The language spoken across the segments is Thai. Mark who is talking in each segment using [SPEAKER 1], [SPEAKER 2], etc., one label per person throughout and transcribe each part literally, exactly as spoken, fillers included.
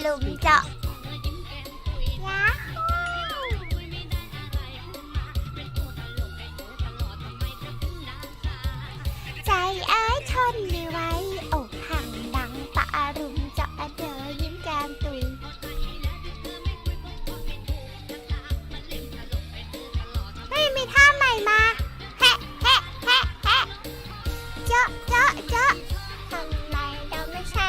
[SPEAKER 1] ลุมเจาะยาฮูใจเอ้ยทนไม่ไหวอกหักดังปะรุมเจาะเธอยิ้มแก้มตุยเฮ้ยมีท่าใหม่มาแฮะแฮะแฮะแฮะเจาะเจาะเจาะทำไมเราไม่ใช่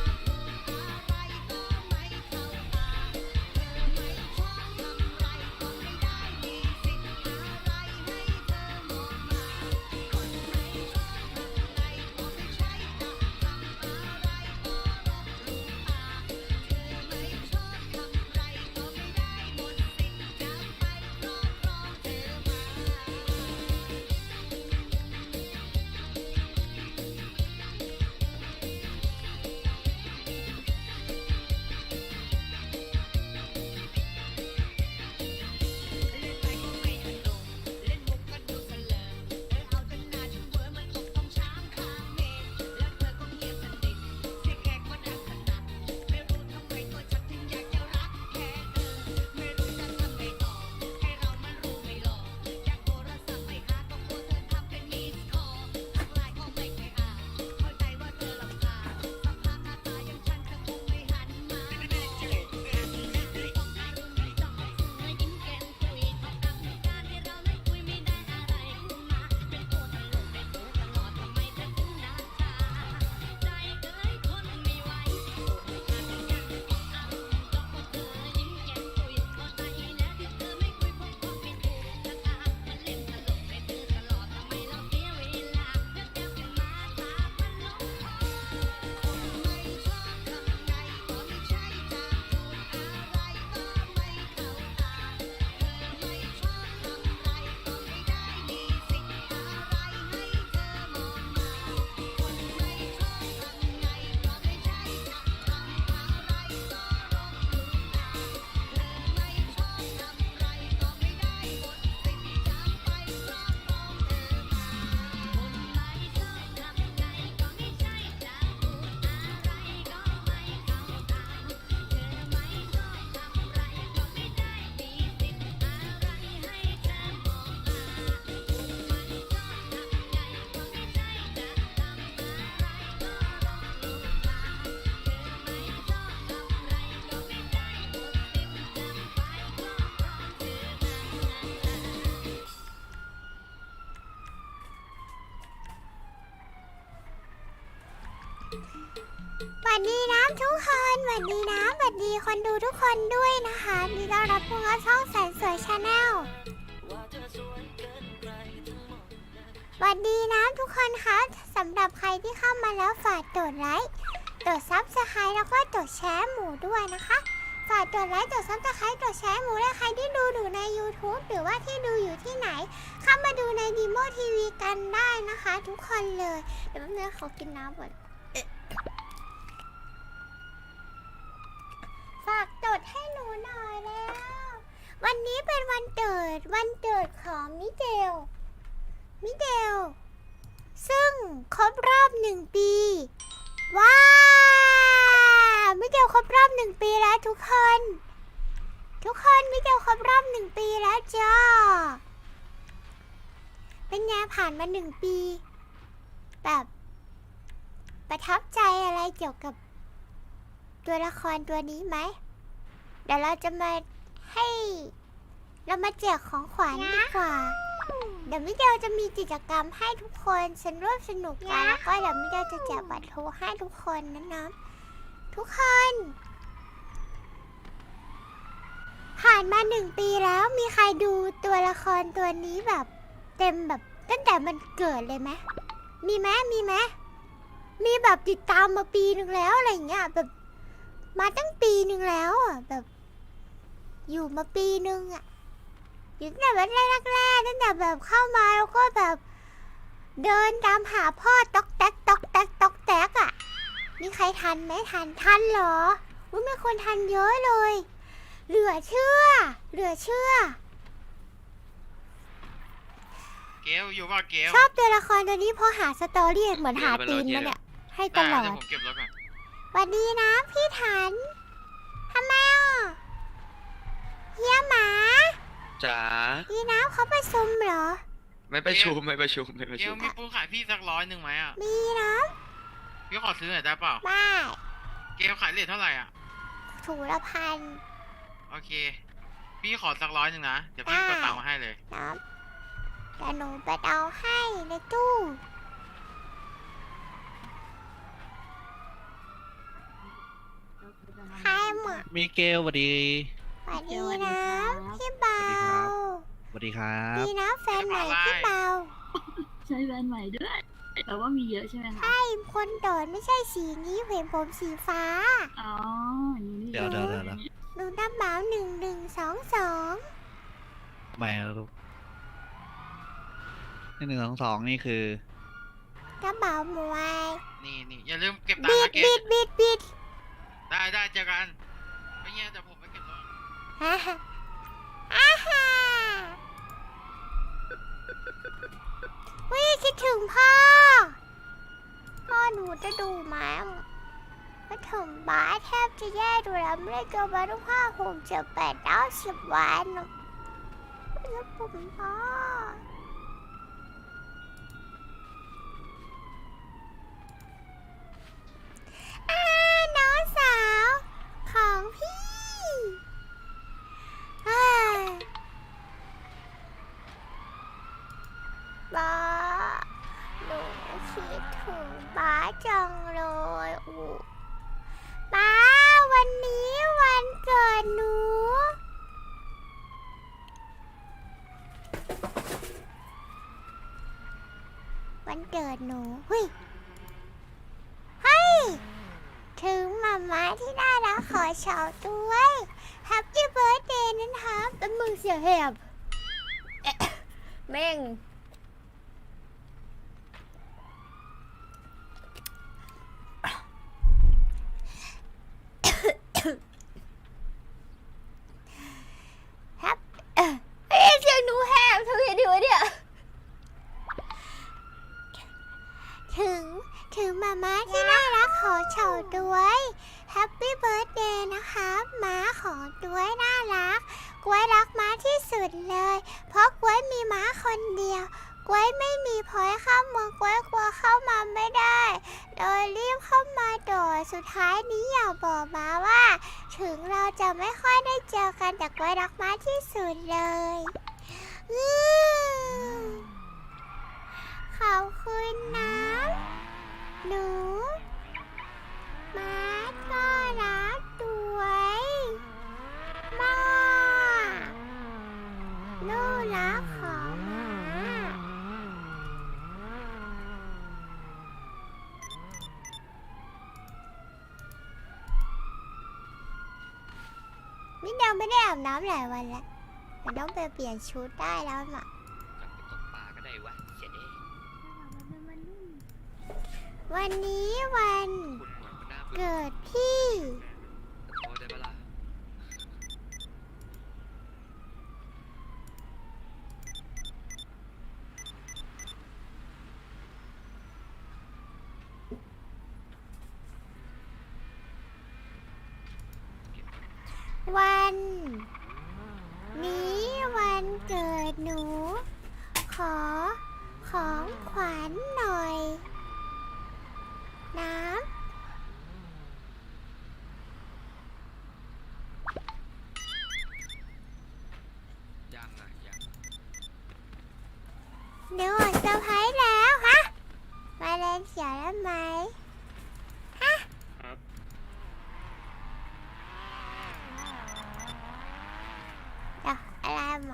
[SPEAKER 1] สวัสดีน้ำทุกคนสวัสดีน้ำสวัสดีคนดูทุกคนด้วยนะคะมีต้อนรับพวกเราช่องแสนสวยชาแนลสวัสดีน้ำทุกคนคะสำหรับใครที่เข้ามาแล้วฝากกดไลค์กดซับสไครต์แล้วก็กดแชร์หมูด้วยนะคะฝากกดไลค์กดซับสไครต์กดแชร์หมูและใครที่ดูอยู่ใน ยูทูบ หรือว่าที่ดูอยู่ที่ไหนเข้ามาดูในดีโมทีวีกันได้นะคะทุกคนเลยเดี๋ยวแป๊บนึงขอกินน้ำก่อนฝากจดให้หนูหน่อยแล้ววันนี้เป็นวันเกิดวันเกิดของมิเดลมิเดลซึ่งครบรอบหนึ่งปีว้าวมิเดลครบรอบหนึ่งปีแล้วทุกคนทุกคนมิเดลครบรอบหนึ่งปีแล้วจ้าเป็นไงผ่านมาหนึ่งปีแบบประทับใจอะไรเกี่ยวกับตัวละครตัวนี้ไหมเดี๋ยวเราจะมาให้เรามาแจกของขวัญดีกว่าเดี๋ยวมิเดลจะมีกิจกรรมให้ทุกคนสนุกสนุกกันแล้วก็เดี๋ยวมิเดลจะแจกบัตรโทรให้ทุกคนนะน้องทุกคนผ่านมาหนึ่งปีแล้วมีใครดูตัวละครตัวนี้แบบเต็มแบบตั้งแต่มันเกิดเลยไหมมีไหมมีไหมมีแบบติดตามมาปีหนึ่งแล้วอะไรเงี้ยแบบมาตั้งปีหนึ่งแล้วอ่ะแบบอยู่มาปีหนึ่งอ่ะอยู่ตั้งแต่แบบแรกๆตั้งแต่แบบเข้ามาแล้วก็แบบเดินตามหาพ่อต๊อกแต๊กต๊อกแต๊กต๊อกแต๊กอ่ะมีใครทันไหมทันทันเหรออุ๊ยมีคนทันเยอะเลยเหลือเชื่อเหลือเชื่อ
[SPEAKER 2] เกลอยู่ว่าเกล
[SPEAKER 1] ชอบตัวละครตัวนี้เพราะหาสตอรี่เหมือนหาตีนมันเนี่ยให้ตลอด
[SPEAKER 2] ผมเก็บรถก่อน
[SPEAKER 1] สวัสดีนะพี่ทันฮียหมา
[SPEAKER 3] จ๋า
[SPEAKER 1] พี่น้ำเขาประชุมเหรอ
[SPEAKER 3] ไม่ประชุมไม่ประชุมไม่ประ
[SPEAKER 2] เก
[SPEAKER 3] ชุ
[SPEAKER 2] ล
[SPEAKER 3] ม
[SPEAKER 2] มีปูนขายพี่สักร้อยหนึ่งไหมอ่ะ
[SPEAKER 1] มีน้
[SPEAKER 2] พี่ขอซื้อหน่อยได้เปล่า
[SPEAKER 1] ำบ้า
[SPEAKER 2] เกลขายเลทเท่าไหร่อ่ะ
[SPEAKER 1] ถูละพัน
[SPEAKER 2] โอเค พี่ขอสักร้อยหนึ่งนะ เดี๋ยวพี่กดตังค์มาให้เลย
[SPEAKER 1] น้ำแต่หนูไปเอาให้ในตู้ใครหมด
[SPEAKER 4] มิเกลสวัสดี
[SPEAKER 1] สวัสดีนะพี่เบา
[SPEAKER 4] สวัสดีครับ
[SPEAKER 1] ดีนะแฟนใหม่พี่เบา
[SPEAKER 5] ใช้แบรนด์ใหม่ด้วย แต่ว่ามีเยอะใช่ไหมคะ
[SPEAKER 1] ใช่คนโดดไม่ใช่สีนี้เห็นผมสีฟ้า
[SPEAKER 5] อ๋ออย่างนี้
[SPEAKER 4] เดี๋ยวเดี๋ยวเดี๋ยวเดี๋ยว
[SPEAKER 1] หนูน้ำเบาหนึ่งหนึ่งสองสอง
[SPEAKER 4] ไม่ครับลูกหนึ่งสองสองนี่คือ
[SPEAKER 1] น้ำเบาหมวย
[SPEAKER 2] นี่นี่อย่าลืมเก็บตัง
[SPEAKER 1] บิ
[SPEAKER 2] ค์
[SPEAKER 1] ด
[SPEAKER 2] นะเกล
[SPEAKER 1] บิดบิดบิด
[SPEAKER 2] ได้ได้เจอกัน ไม่เงี้ยเดี๋ยวผมไปเก็บรถ
[SPEAKER 1] ฮ่าฮ่าอาฮ่าวิคิดถึงพ่อ พ่อหนูจะดูมั้งก็ถึงบ้านแทบจะแย่ดูแล้วไม่ได้เจอมาทุกห้าหกเจ็ดแปดเก้าสิบวันแล้วผมพ่ออาน้องสาวของพี่อ่าบ้าหนูคิดถึงบ้าจังเลยอู้บ้าวันนี้วันเกิดหนู วันเกิดหนูเฮ้ยเฮ้ย ถึงมาม่าที่น่ารักขอเฉาด้วย Happy Birthday นะคะเป็นมึงเสียแหบเอ๊ะแม่ง ฮับเอ้ยเอ้ยเสียงหนูแหบเธอเห็นดิวะเนี่ย ถึงถึงมาม่าที่น่ารักขอเฉาด้วย Happy Birthday นะคะม้าของด้วยน่ารักกล้วยรักม้าที่สุดเลย เพราะกล้วยมีม้าคนเดียวกล้วยไม่มีพลอยเข้าเมืองกล้วยกลัวเข้ามาไม่ได้เลยรีบเข้ามาต่อสุดท้ายนี้อยากบอกม้าว่า ถึงเราจะไม่ค่อยได้เจอกันแต่กล้วยรักม้าที่สุดเลยอืมขอบคุณนะหนูม้าก็รักด้วยมากลูกรักของม้ามิเดาไม่ได้อาบน้ำหลายวันแล้วแต่ต้องไปเปลี่ยนชุดได้แล้วน่ะ
[SPEAKER 3] ตกปลาก็ได้วะเสียเด้
[SPEAKER 1] วันนี้วัน
[SPEAKER 3] คุณหมอคุณหน้าเบื่อ
[SPEAKER 1] เกิดพี่
[SPEAKER 3] โอ้ได้ปะล่ะ
[SPEAKER 1] วัน นี้วันเกิดหนู ขอของขวัญหน่อย น้
[SPEAKER 3] ยังอ่ะยัง
[SPEAKER 1] ำหนูออกเซอร์ไพรส์แล้วฮะ มาเล่นเขียวได้ไหมฮะเดี๋ยวอะไรมา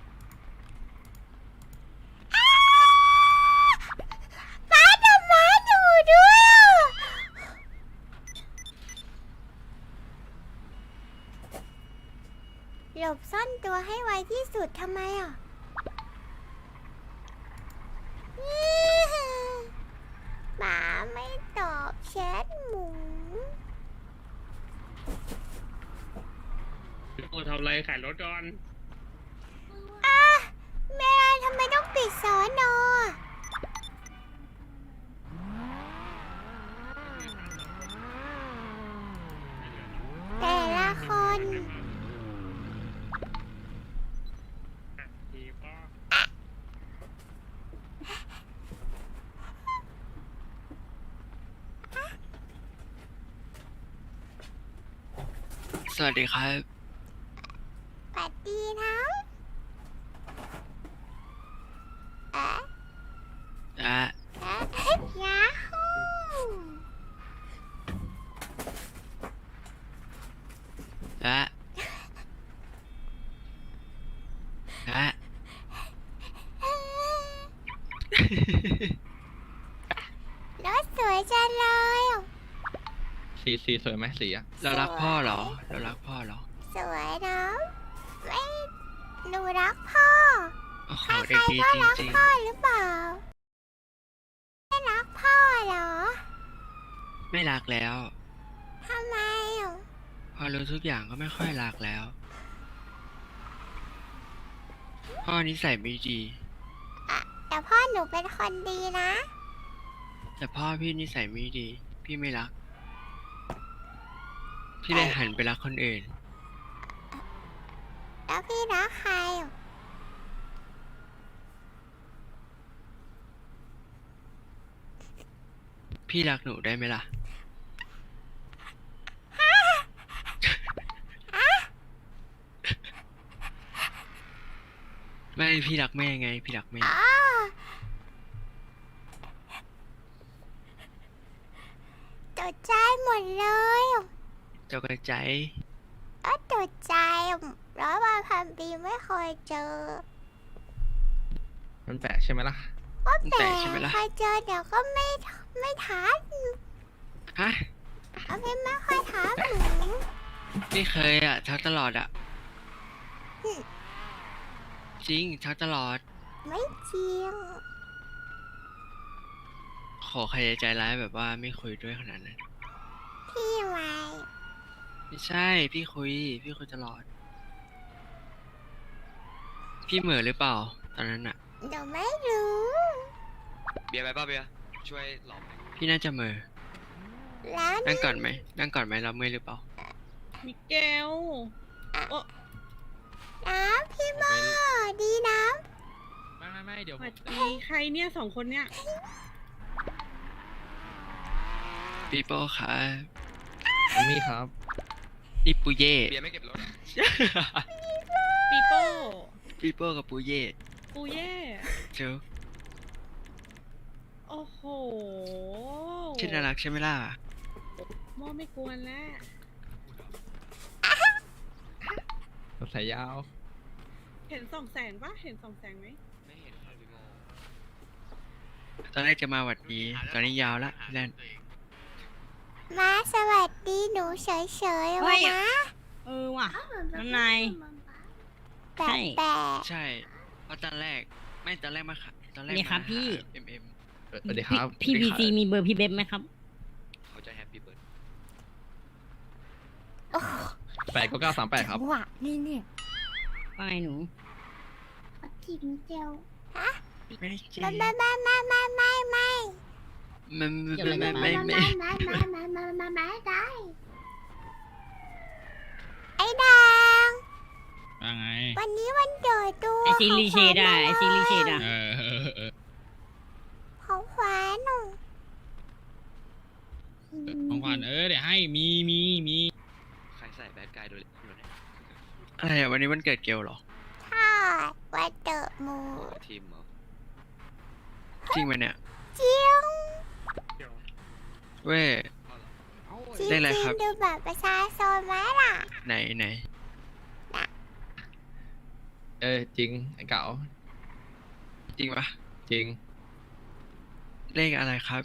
[SPEAKER 1] อ้าวป้าทำร้ายหนูด้วยอ่ะหลบซ่อนตัวให้ไวที่สุดทำไมอ่ะหมาไม่ตอบแชทหมู
[SPEAKER 6] กูทำอะไรขายรถก่อน
[SPEAKER 1] อ่ะแม่ทำไมต้องปิดสอนอแต่ละคน
[SPEAKER 3] สวัสดีครับ
[SPEAKER 1] สวัสดีนะเอ๊ะ
[SPEAKER 3] อ่ะ
[SPEAKER 1] เอ๊ะยาฮู
[SPEAKER 3] อ่ะอ่ะ
[SPEAKER 1] รถสวยจังเลยอ่ะ
[SPEAKER 6] สีสีสวยไหมสีอะ
[SPEAKER 3] เรารักพ่อเหรอ เรารักพ่อเหรอ
[SPEAKER 1] สวยนะไม่หนูรักพ่อ
[SPEAKER 3] โอ้โห
[SPEAKER 1] ใคร
[SPEAKER 3] เด็กดี
[SPEAKER 1] ๆก็
[SPEAKER 3] จ
[SPEAKER 1] รัก
[SPEAKER 3] ริง
[SPEAKER 1] พ่อหรือเปล่าไม่รักพ่อเหรอ
[SPEAKER 3] ๆ ไม่รักแล้ว
[SPEAKER 1] ทำไมอ่ะ
[SPEAKER 3] พอรู้ทุกอย่างก็ไม่ค่อยรักแล้ว พ่อนิสัยไม่ดี
[SPEAKER 1] อะแต่พ่อหนูเป็นคนดีนะ
[SPEAKER 3] แต่พ่อพี่นิสัยไม่ดี พี่ไม่รัก พี่เลยหันไปรักคนอื่น
[SPEAKER 1] แล้วพี่รักใครอ่ะ
[SPEAKER 3] พี่รักหนูได้ไหมล่ะ ไม่พี่รักแม่ไง พี่รักแม่
[SPEAKER 1] อ๋อตกใจหมดเลยอ่ะ
[SPEAKER 3] เจ้ากระใจ
[SPEAKER 1] ก็ตกใจอ่ะร้อยวันพันปีไม่เคยเจอ
[SPEAKER 6] มันแปลกใช่ไหมล่ะ
[SPEAKER 1] ก็
[SPEAKER 3] มัน
[SPEAKER 1] แต่
[SPEAKER 3] แปลกใช่ไหมล่ะ
[SPEAKER 1] เคยเจอเดี๋ยวก็ไม่ไม่ทัน
[SPEAKER 3] ฮะ
[SPEAKER 1] เอาพี่ไม่ค่อยทันหนู
[SPEAKER 3] ไม่เคยอ่ะทักตลอดอ่ะ จริงทักตลอด
[SPEAKER 1] ไม่จริง
[SPEAKER 3] ขอใครจะใจร้ายแบบว่าไม่คุยด้วยขนาดนั้น
[SPEAKER 1] พี่ไว้
[SPEAKER 3] ไม่ใช่ พี่คุย พี่คุยตลอด พี่เหม่อหรือเปล่า ตอนนั้นอ่ะ
[SPEAKER 1] เดี๋ยวไม่รู้
[SPEAKER 3] เบียร์ไปป่ะเบียร์ช่วยหลอมพี่น่าจะเหม่อ
[SPEAKER 1] แล้ว
[SPEAKER 3] นั่งก่อนไหมนั่งก่อนไหมรับมือหรือเปล่า
[SPEAKER 7] มิเกลโอ้
[SPEAKER 1] น้ำพี่โมดีน้
[SPEAKER 6] ไม่ไม่ไม่เดี๋ยว
[SPEAKER 7] สวัสดีใครเนี่ยสองคนเนี่ย
[SPEAKER 3] ปีโป้ค่ะ
[SPEAKER 6] มีครับ
[SPEAKER 3] นี่ปูเย่
[SPEAKER 6] เบียร์ไม่เก็บรถ
[SPEAKER 7] ปีโป้
[SPEAKER 3] ปีโป้กับปูเย่
[SPEAKER 7] ปูเย่
[SPEAKER 3] เจ้า
[SPEAKER 7] โอ้โห
[SPEAKER 3] ชื่อน่ารักใช่ไหมล่ะ
[SPEAKER 7] โมไม่กวนแล้ว
[SPEAKER 6] สายยาว
[SPEAKER 7] เห็นสองแสงปะเห็นสองแสงไหม
[SPEAKER 3] ไม่เห็นค่ะพี่โมตอนแรกจะมาหวัดดี ตอนนี้ยาวละพี่แลน
[SPEAKER 1] ำมาสวัสดีหนูเฉยๆวะนะ
[SPEAKER 7] เออว่ะน้ำนาย
[SPEAKER 1] แปล
[SPEAKER 7] ใช่
[SPEAKER 1] กแปลก
[SPEAKER 3] ใช่ เพราะตอนแรก ไม่ตอนแรกมาค่ะตอนแรก
[SPEAKER 8] นี่ครับ
[SPEAKER 3] มา
[SPEAKER 8] พี่
[SPEAKER 3] เอ็มเอ็ม
[SPEAKER 6] สวัสดีครับ
[SPEAKER 8] พี่พีซีมีเบอร์พี่เบบไหมครับ
[SPEAKER 3] เขาจะแฮปปี้เบิร์ด
[SPEAKER 1] โอ้โห
[SPEAKER 6] แปดก็เก้าสามแปดครับ
[SPEAKER 1] จังหวะนี่เนี่ย
[SPEAKER 8] ว่าไงหนู
[SPEAKER 1] จิงเจียวฮะ
[SPEAKER 3] ไม่ได้เจ๊
[SPEAKER 1] ไม่ไม่ไม่ไม่ไม่ไม่ไม่
[SPEAKER 3] มัน
[SPEAKER 8] เดี๋ยว
[SPEAKER 3] ไม่
[SPEAKER 8] เลย
[SPEAKER 3] ไม่
[SPEAKER 8] นะ
[SPEAKER 3] ไม่
[SPEAKER 1] ไม่
[SPEAKER 3] ไม่
[SPEAKER 1] ไม่ไม่ไม่ไม่ไม่ไม่ได้ไอ้ดัง
[SPEAKER 6] ว่าไง
[SPEAKER 1] วันนี้วันเกิดตัว
[SPEAKER 8] ไอซีรีเชดอะไอซีรีเชดอะ
[SPEAKER 6] เออเออเออ
[SPEAKER 1] ของขวัญหนู
[SPEAKER 6] ของขวัญเออเดี๋ยวให้มีมีมี
[SPEAKER 3] ใครใส่แบดกายโดยอะไรอ่ะวันนี้วันเกิดเกลเหรอ
[SPEAKER 1] ใช่วันเกิดหมู
[SPEAKER 3] ทีมเหรอ จริงไหมเนี่ย
[SPEAKER 1] จริง
[SPEAKER 3] เว้ย
[SPEAKER 1] จริง
[SPEAKER 3] ได้อะไร
[SPEAKER 1] จริ
[SPEAKER 3] ครั
[SPEAKER 1] ง
[SPEAKER 3] บ
[SPEAKER 1] ดูแบบประชาชนไหมล่ะ
[SPEAKER 3] ไหนไหน
[SPEAKER 6] เออจริงไอ้เก๋า
[SPEAKER 3] จริงปะ
[SPEAKER 6] จริง
[SPEAKER 3] เลขอะไรครับ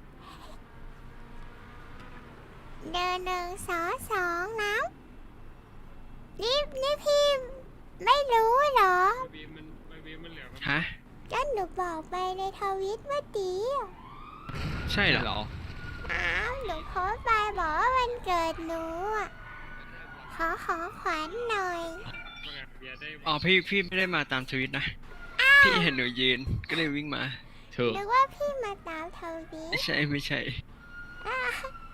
[SPEAKER 1] เดินหนึ่งสองสองนะนี่นี่พี่ไม่รู้เหรอ
[SPEAKER 3] ฮะ
[SPEAKER 1] ก็หนูบอกไปในทวิตเมื่อกี้
[SPEAKER 3] ใช่เหรอ
[SPEAKER 6] เหรอ
[SPEAKER 1] อ้าวหนูโพสต์ไปบอกว่าวันเกิดหนูอะขอขอขวัญหน่อย
[SPEAKER 3] อ๋อพี่พี่ไม่ได้มาตามทวิตนะ พี่เห็นหนูยืน ก็เลยวิ่งมา
[SPEAKER 6] ถูก
[SPEAKER 1] หรือว่าพี่มาตามทวิต
[SPEAKER 3] ไม่ใช่ไม่ใช่
[SPEAKER 1] อ้าว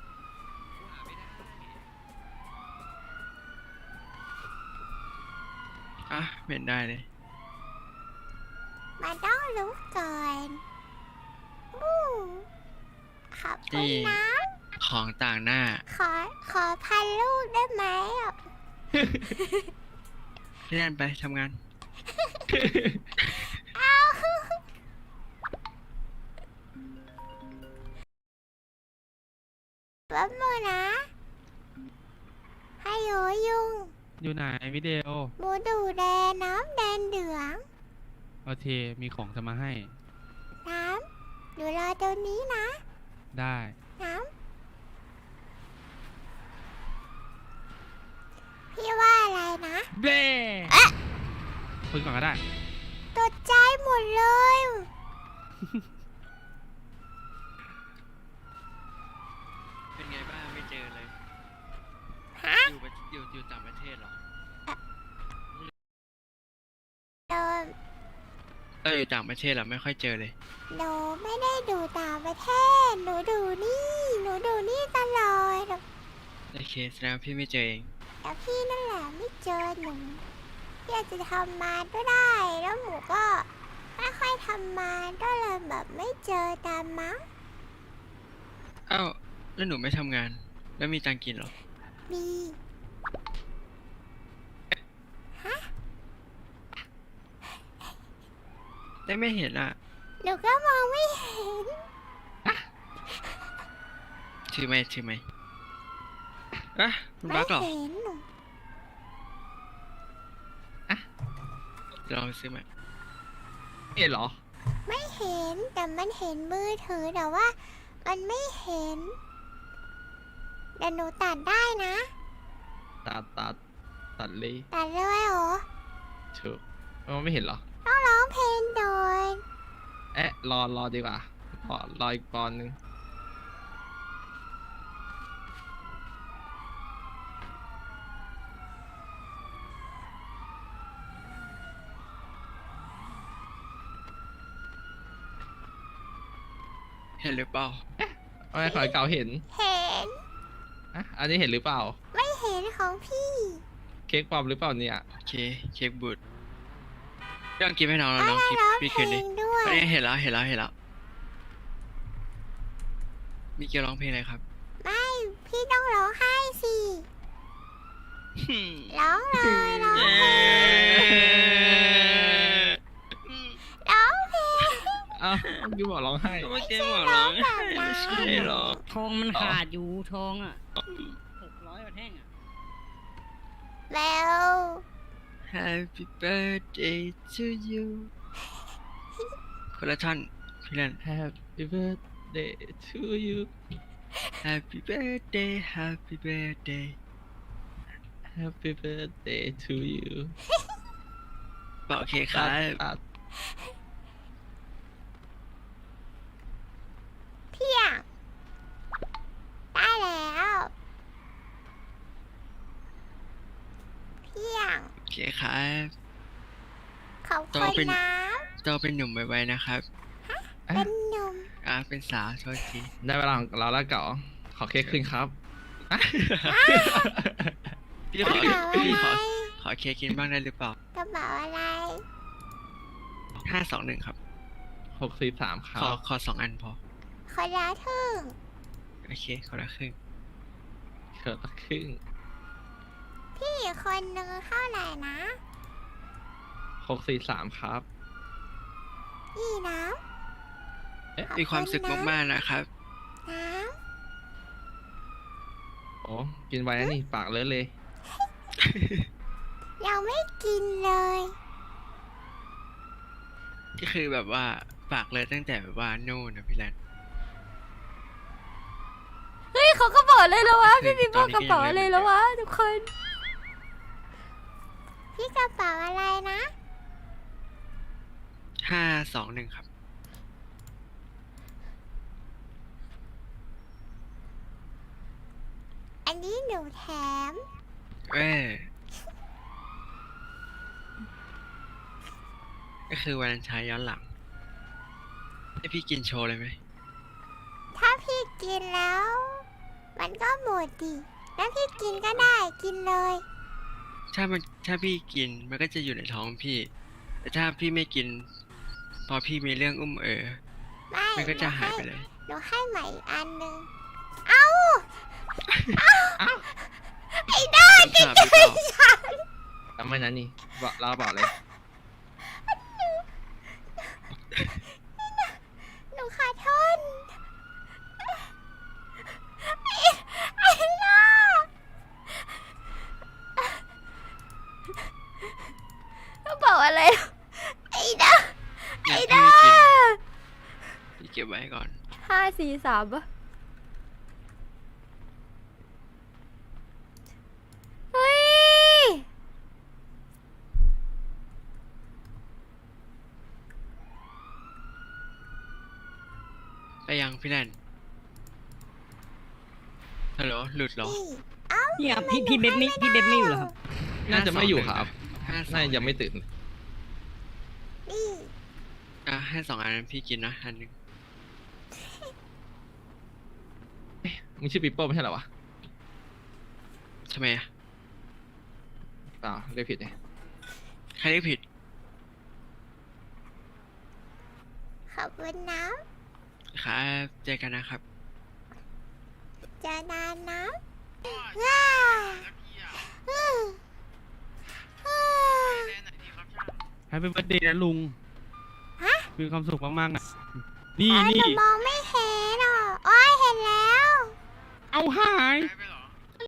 [SPEAKER 3] อ่ะไม่เห็นได้เลย
[SPEAKER 1] มาต้องรู้ก่อนอู้ขอบคุณ
[SPEAKER 3] นี่
[SPEAKER 1] นะ
[SPEAKER 3] ของต่างหน้า
[SPEAKER 1] ขอขอพันลูกได้ไหมอ่ะ
[SPEAKER 3] พี่แนนไปทำงาน
[SPEAKER 1] เอาแป๊บนึงนะให้โยยุง
[SPEAKER 9] อยู่ไหนวิดีโอ
[SPEAKER 1] หมูดูแดงน้ำแดงเหลือง
[SPEAKER 9] โอเค มีของจะมาให้
[SPEAKER 1] น้ำอยู่รอตรงนี้นะ
[SPEAKER 9] ได้
[SPEAKER 1] น้ำพี่ว่าอะไรนะ
[SPEAKER 9] เบ้คุยก่อนก็ได้
[SPEAKER 1] ตกใจหมดเลย
[SPEAKER 3] เป็นไงบ้างไม่เจอเลย
[SPEAKER 1] ฮะ
[SPEAKER 3] อยู่ประอยู่อยู่ต่างประเทศเหรอ
[SPEAKER 1] โดน
[SPEAKER 3] เอออยู่ต่างประเทศเหรอไม่ค่อยเจอเลย
[SPEAKER 1] หนูไม่ได้ดูต่างประเทศ หนูดูนี่ หนูดูนี่ตลอด
[SPEAKER 3] โอเคแสดงว่าพี่ไม่เจอเอง
[SPEAKER 1] แต่พี่นั่นแหละไม่เจอหนูพี่อาจจะทำมาก็ได้ แล้วหมูก็ไม่ค่อยทำมาก็เลยแบบไม่เจอตามมั้ง
[SPEAKER 3] เอ้าแล้วหนูไม่ทำงาน แล้วมีตังค์กินเหรอ
[SPEAKER 1] มี
[SPEAKER 3] ได้ไม่เห็นอ่ะ
[SPEAKER 1] หนูก็มองไม่เห็น
[SPEAKER 3] ถือไหมถือไหมอ่ะคุณ
[SPEAKER 1] ไม่
[SPEAKER 3] บักเหรอ
[SPEAKER 1] เห็นหนู
[SPEAKER 3] ลองซื้อไหม
[SPEAKER 6] เอ็ดเหรอ
[SPEAKER 1] ไม่เห็นแต่มันเห็นมือถือแต่ว่า มันไม่เห็นแต่หนูตัดได้นะ
[SPEAKER 6] ตัดตัดตัดเลย
[SPEAKER 1] ตัดเลยเหรอ
[SPEAKER 6] เถูกมันไม่เห็นเหรอ
[SPEAKER 1] ต้องร้องเพลงโดย
[SPEAKER 6] เอ๊ะ รอรอดีกว่า รอรออีกปอนด์นึง
[SPEAKER 3] เห็นหรือเปล่า
[SPEAKER 6] ทำไมขอยเก่าเห็น
[SPEAKER 1] เห็น
[SPEAKER 6] อ่ะ อันนี้เห็นหรือเปล่า
[SPEAKER 1] ไม่เห็นของพี่
[SPEAKER 6] เค้กปลอมหรือเปล่าเนี่ย
[SPEAKER 3] โอเค เค้กบูดเรื่องกินให้น้องแล้ว
[SPEAKER 1] ก็
[SPEAKER 3] น้อง
[SPEAKER 1] ได้
[SPEAKER 3] คิด
[SPEAKER 1] ร้อง
[SPEAKER 3] พี่
[SPEAKER 1] เพ
[SPEAKER 3] คื
[SPEAKER 1] ล
[SPEAKER 3] นดิ
[SPEAKER 1] งด้วย
[SPEAKER 3] อันนี้เห็นแล้วเห็นแล้วเห็นแล้ว มีเกียวร้องเพลงอะไรครับ
[SPEAKER 1] ไม่พี่ต้องร้องไห้สิร้องเลยร้องเพลงร้องเพลง
[SPEAKER 6] อ้าวยูบอกร้องไห้
[SPEAKER 3] เมื่อกี้บอกร้อง
[SPEAKER 1] แบบนั้น
[SPEAKER 3] ไม่ใช่หรอ
[SPEAKER 8] ทองมันขาดอยู่ทองอ่ะหกร้อยกว่าแท่งอ่ะ
[SPEAKER 1] แล้ว
[SPEAKER 3] Happy birthday to you คนละท่อนพี่เล่น
[SPEAKER 6] Happy birthday to you
[SPEAKER 3] Happy birthday Happy birthday
[SPEAKER 6] Happy birthday to you
[SPEAKER 3] บอกโอเคครั
[SPEAKER 6] ตัด
[SPEAKER 3] บ
[SPEAKER 6] ตัด
[SPEAKER 1] เพียงได้แล้วเพียง
[SPEAKER 3] โอเคครับ
[SPEAKER 1] ขอบ
[SPEAKER 3] โต
[SPEAKER 1] คุณ
[SPEAKER 3] เป็น
[SPEAKER 1] นะ
[SPEAKER 3] โตเป็นหนุ่มไวๆนะครับ
[SPEAKER 1] เป็นหนุ่ม
[SPEAKER 3] อ่าเป็นสาวโทษที
[SPEAKER 6] ได้เวลาของเราแล้วเก่าขอเค้กคืนครับ
[SPEAKER 3] พี่
[SPEAKER 1] ก
[SPEAKER 3] ข
[SPEAKER 1] ระ
[SPEAKER 3] อ
[SPEAKER 1] เป๋าอะ
[SPEAKER 3] พี่ข
[SPEAKER 1] ไร
[SPEAKER 3] อขอเค้กกินบ้างได้หรือเปล่าก
[SPEAKER 1] ระเป๋าอะไร
[SPEAKER 3] ห้าสองหนึ่งครับ
[SPEAKER 6] หกสี่สามครั
[SPEAKER 3] ขอบ ขอสองอันพอ
[SPEAKER 1] คนละทึ่ง
[SPEAKER 3] โอเคคนละครึ่ง
[SPEAKER 6] เกิดละครึ่ง
[SPEAKER 1] พี่อีกคนนึงเท่าไหร่นะ
[SPEAKER 6] หกสี่สามครับ
[SPEAKER 1] นี่น้
[SPEAKER 6] เอ๊ะ
[SPEAKER 1] ขอบคุณนะ
[SPEAKER 3] มีความสุขมากๆนะครับ
[SPEAKER 1] ำน้
[SPEAKER 6] โอ้กินไว้นะนี่ปากเลอะเลย
[SPEAKER 1] ำยังไม่กินเลย
[SPEAKER 3] ก็คือแบบว่าฝากเลยตั้งแต่แบบว่านู่นนะพี่แลน
[SPEAKER 10] เฮ้ยเขากระเป๋าเลยแล้ววะ
[SPEAKER 3] คือ
[SPEAKER 10] พี่ปีโป้
[SPEAKER 3] ตอนนี้
[SPEAKER 10] กระเป๋า
[SPEAKER 3] ก็ยัง
[SPEAKER 10] เล
[SPEAKER 3] ไม่
[SPEAKER 10] ย
[SPEAKER 3] เหมือน
[SPEAKER 10] แล้ววะทุกคน
[SPEAKER 1] พี่กระเป๋าอะไรนะ
[SPEAKER 3] ห้าสองหนึ่งครับ
[SPEAKER 1] อันนี้หนูแถม
[SPEAKER 3] เออก็คือวันชายย้อนหลังให้พี่กินโชว์เลยไหม
[SPEAKER 1] ถ้าพี่กินแล้ว มันก็หมดดิแล้วพี่กินก็ได้กินเลย
[SPEAKER 3] ถ้ามันถ้าพี่กินมันก็จะอยู่ในท้องพี่ แต่ถ้าพี่ไม่กิน พอพี่มีเรื่องอุ้มเออ
[SPEAKER 1] ไม่
[SPEAKER 3] มันก็จะหายไปเลย
[SPEAKER 1] หนูให้ใหม่อีกอันหนึ่งเอ้า เอ้าไอ้ด้า
[SPEAKER 3] คำสาปหรือเปล่า
[SPEAKER 1] ฉัน
[SPEAKER 6] จำไว้นะนี่บอกเราบอกเลย
[SPEAKER 1] หนูขอโทษไอ้ไอ้ด้าเขาบอกอะไรไอ้ด้า
[SPEAKER 3] เนี่ย
[SPEAKER 1] ไอ้
[SPEAKER 3] พี่
[SPEAKER 1] ด้า
[SPEAKER 3] ไม่กินพี่เก็บไว้ก่อน
[SPEAKER 10] ห้าสี่สามปะเฮ้ย
[SPEAKER 3] ไปยังพี่แลนฮัลโหลหลุดเหรอ
[SPEAKER 1] นี่เอ้า
[SPEAKER 8] เนี่ยพี่พี่เบฟไม่พี่เบฟไม่อยู่เหรอครับ
[SPEAKER 6] น่าจะไม่อยู่ครับ
[SPEAKER 3] ห้าสอง
[SPEAKER 6] น่าจะยังไม่ตื่น
[SPEAKER 1] นี่
[SPEAKER 3] อ่ะให้สองอันนั้นพี่กินนะอันหนึง
[SPEAKER 6] มึงชื่อปีโป้ไม่ใช่เหรอวะ
[SPEAKER 3] ทำไมอ่ะ
[SPEAKER 6] เปล่าเรียกผิดเนี่ย
[SPEAKER 3] ใครเรียกผิด
[SPEAKER 1] ขอบคุณนะครับ
[SPEAKER 3] เจอกันนะครับ
[SPEAKER 1] เจอนานนะ
[SPEAKER 2] ว้า
[SPEAKER 1] ว้า
[SPEAKER 2] แล้วพี่อ่ะ
[SPEAKER 1] อืมอืม
[SPEAKER 2] ไปเล่นไหนดีครับช่าง
[SPEAKER 9] แฮปปี้เบิร์ดเดย์นะลุง
[SPEAKER 1] ฮะ
[SPEAKER 9] มีความสุขมากๆนะนี่
[SPEAKER 1] อ๋อห
[SPEAKER 9] นี่
[SPEAKER 1] นูมองไม่เห็นอ่ะอ๋อเห็นแล้ว
[SPEAKER 9] เอาหาย
[SPEAKER 2] ไปไปเหรอ